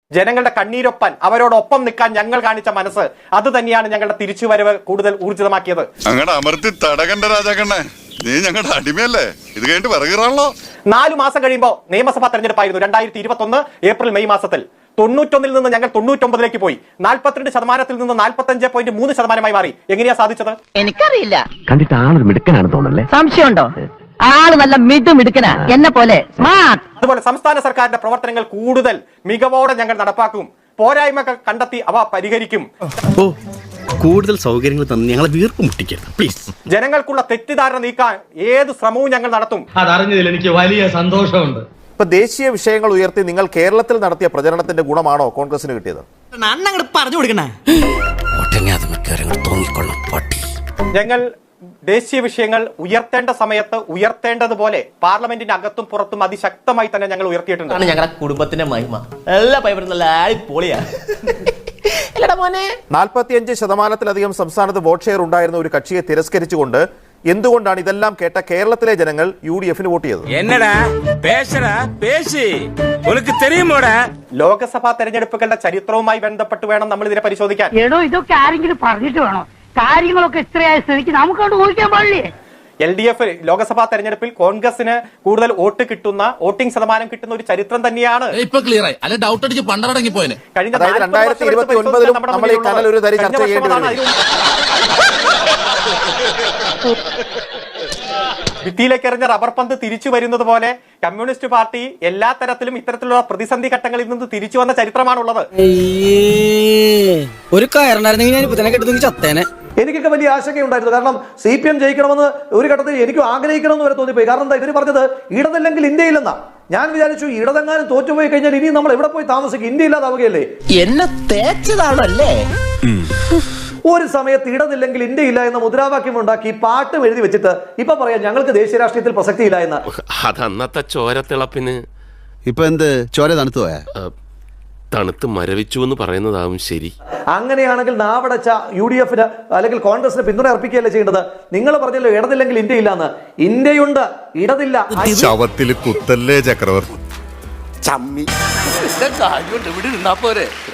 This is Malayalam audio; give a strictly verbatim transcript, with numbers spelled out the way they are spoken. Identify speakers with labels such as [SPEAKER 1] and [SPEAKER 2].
[SPEAKER 1] ജനങ്ങളുടെ കണ്ണീരൊപ്പാൻ അവരോടൊപ്പം നിൽക്കാൻ ഞങ്ങൾ കാണിച്ച മനസ്സ് അത് തന്നെയാണ് ഞങ്ങളുടെ തിരിച്ചുവരവ് കൂടുതൽ ഊർജിതമാക്കിയത്.
[SPEAKER 2] അങ്ങനെ അമർത്തി തടകണ്ട രാജാക്കണ്ണേ, നീ ഞങ്ങളുടെ അടിമയല്ലേ, ഇത് കഴിഞ്ഞിട്ട് പറയുകയാണല്ലോ.
[SPEAKER 1] നാലു മാസം കഴിയുമ്പോൾ നിയമസഭാ തെരഞ്ഞെടുപ്പായിരുന്നു രണ്ടായിരത്തി ഇരുപത്തി ഒന്ന് ഏപ്രിൽ മെയ് മാസത്തിൽ. തൊണ്ണൂറ്റൊന്നിൽ നിന്ന് ഞങ്ങൾ തൊണ്ണൂറ്റൊമ്പതിലേക്ക് പോയി. നാൽപ്പത്തിരണ്ട് ശതമാനത്തിൽ നിന്ന് നാൽപ്പത്തി അഞ്ച് പോയിന്റ് മൂന്ന് ശതമാനമായി മാറി. എങ്ങനെയാ സാധിച്ചത്?
[SPEAKER 3] എനിക്കറിയില്ല.
[SPEAKER 4] കണ്ടിട്ട് ആളൊരു മിടുക്കനാണ് തോന്നല്ലേ?
[SPEAKER 3] സംശയമുണ്ടോ? ആള് നല്ല മിടു മിടുക്കനാ, എന്നെ പോലെ സ്മാർട്ട്.
[SPEAKER 1] അതുപോലെ സംസ്ഥാന സർക്കാരിന്റെ പ്രവർത്തനങ്ങൾ കൂടുതൽ മികവോടെ ഞങ്ങൾ നടപ്പാക്കും. പോരായ്മകൾ കണ്ടെത്തി അവ പരിഹരിക്കും.
[SPEAKER 5] കൂടുതൽ സൗകര്യങ്ങൾ തന്നെ ഞങ്ങളെ വീർപ്പ് മുട്ടിക്കരുത് പ്ലീസ്.
[SPEAKER 1] ജനങ്ങൾക്കുള്ള തെറ്റിദ്ധാരണ നീക്കാൻ ഏത് ശ്രമവും ഞങ്ങൾ നടത്തും.
[SPEAKER 6] അതറിഞ്ഞതിൽ എനിക്ക് വലിയ സന്തോഷമുണ്ട്.
[SPEAKER 7] ഇപ്പൊ ദേശീയ വിഷയങ്ങൾ ഉയർത്തി നിങ്ങൾ കേരളത്തിൽ നടത്തിയ പ്രചരണത്തിന്റെ ഗുണമാണോ കോൺഗ്രസിന് കിട്ടിയത്?
[SPEAKER 5] പറഞ്ഞു കൊടുക്കണേ തോന്നിക്കൊള്ളാം പട്ടി.
[SPEAKER 1] ഞങ്ങൾ ദേശീയ വിഷയങ്ങൾ ഉയർത്തേണ്ട സമയത്ത് ഉയർത്തേണ്ടതുപോലെ പാർലമെന്റിന്റെ അകത്തും പുറത്തും അതിശക്തമായി തന്നെ ഞങ്ങൾ ഉയർത്തിയിട്ടുണ്ട്.
[SPEAKER 8] ഞങ്ങളുടെ കുടുംബത്തിന്റെ മഹിമ എല്ലാ പൈപ്പറും നല്ല പൊളിയാ.
[SPEAKER 7] നാൽപ്പത്തിയഞ്ച് ശതമാനത്തിലധികം സംസ്ഥാനത്ത് വോട്ട് ഷെയർ ഉണ്ടായിരുന്ന ഒരു കക്ഷിയെ തിരസ്കരിച്ചുകൊണ്ട് എന്തുകൊണ്ടാണ് ഇതെല്ലാം കേട്ട കേരളത്തിലെ ജനങ്ങൾ യു ഡി എഫിന് വോട്ട് ചെയ്തത്?
[SPEAKER 1] ലോക്സഭാ തെരഞ്ഞെടുപ്പുകളുടെ ചരിത്രവുമായി ബന്ധപ്പെട്ട് വേണം നമ്മൾ ഇതിനെ പരിശോധിക്കാൻ.
[SPEAKER 3] എടോ, ഇതൊക്കെ ആരെങ്കിലും പറഞ്ഞിട്ട് വേണോ? കാര്യങ്ങളൊക്കെ ഇത്രയായ സ്ഥിതിക്ക് നമുക്ക് കൊണ്ട് ഊഹിക്കാൻ പാടില്ലേ?
[SPEAKER 1] എൽ ഡി എഫ് ലോക്സഭാ തെരഞ്ഞെടുപ്പിൽ കോൺഗ്രസിന് കൂടുതൽ വോട്ട് കിട്ടുന്ന വോട്ടിംഗ് ശതമാനം കിട്ടുന്ന ഒരു ചരിത്രം തന്നെയാണ്.
[SPEAKER 9] ഇപ്പൊ ക്ലിയർ ആയി. അല്ലെ ഡൗട്ട് അടിച്ച് പണ്ടടങ്ങി പോയനെ.
[SPEAKER 1] കഴിഞ്ഞ
[SPEAKER 7] രണ്ടായിരത്തി ഇരുപത്തി ഒൻപതിലും നമ്മൾ ഈ കനൽ ഒരു തരി ചർച്ച ചെയ്യേണ്ടി വരും.
[SPEAKER 1] ഭിത്തിയിലേക്ക് എറിഞ്ഞ റബ്ബർ പന്ത് തിരിച്ചു വരുന്നത് പോലെ കമ്മ്യൂണിസ്റ്റ് പാർട്ടി എല്ലാ തരത്തിലും ഇത്തരത്തിലുള്ള പ്രതിസന്ധി ഘട്ടങ്ങളിൽ നിന്ന് തിരിച്ചു വന്ന ചരിത്രമാണുള്ളത്.
[SPEAKER 5] ഒരു കയറുണ്ടായിരുന്നെങ്കിൽ ഞാൻ ഇപ്പൊ തന്നെ കെട്ടുന്നെങ്കിൽ ചത്തേനെ.
[SPEAKER 10] എനിക്കൊക്കെ വലിയ ആശങ്കയുണ്ടായിരുന്നു. കാരണം സി പി എം ജയിക്കണമെന്ന് ഒരു ഘട്ടത്തിൽ എനിക്കും ആഗ്രഹിക്കണമെന്ന് വരെ തോന്നിപ്പോയി. കാരണം എന്താ, ഇവർ പറഞ്ഞത് ഇടതല്ലെങ്കിൽ ഇന്ത്യയില്ലെന്നാ. ഞാൻ വിചാരിച്ചു ഇടതെങ്ങാനും തോറ്റുപോയി കഴിഞ്ഞാൽ ഇനി നമ്മൾ എവിടെ പോയി താമസിക്കും, ഇന്ത്യ ഇല്ലാതാവുകയല്ലേ.
[SPEAKER 3] എന്നെ തേച്ചതാണല്ലേ?
[SPEAKER 10] ഒരു സമയത്ത് ഇടതില്ലെങ്കിൽ ഇന്ത്യ ഇല്ല എന്ന മുദ്രാവാക്യം ഉണ്ടാക്കി പാട്ടും എഴുതി വെച്ചിട്ട് ഇപ്പൊ പറയാം ഞങ്ങൾക്ക് ദേശീയ രാഷ്ട്രീയത്തിൽ പ്രസക്തിയില്ല എന്ന്.
[SPEAKER 11] അതന്നത്തെ ചോരത്തിളപ്പിന്
[SPEAKER 5] ഇപ്പൊ എന്ത് ചോര തണുത്തു പോയാ?
[SPEAKER 11] തണുത്ത് മരവിച്ചു എന്ന് പറയുന്നതാവും ശരി.
[SPEAKER 10] അങ്ങനെയാണെങ്കിൽ നാവടച്ച യു ഡി എഫിന് അല്ലെങ്കിൽ കോൺഗ്രസിന് പിന്തുണ അർപ്പിക്കുകയല്ലേ ചെയ്യേണ്ടത്? നിങ്ങൾ പറഞ്ഞല്ലോ ഇടതില്ലെങ്കിൽ ഇന്ത്യ ഇല്ലാന്ന്. ഇന്ത്യയുണ്ട്, ഇടതില്ല.
[SPEAKER 2] ശവത്തിൽ കുത്തല്ലേ ചക്രവർത്തി.
[SPEAKER 11] ചമ്മി ഇവിടെ നിന്നാ പോരെ.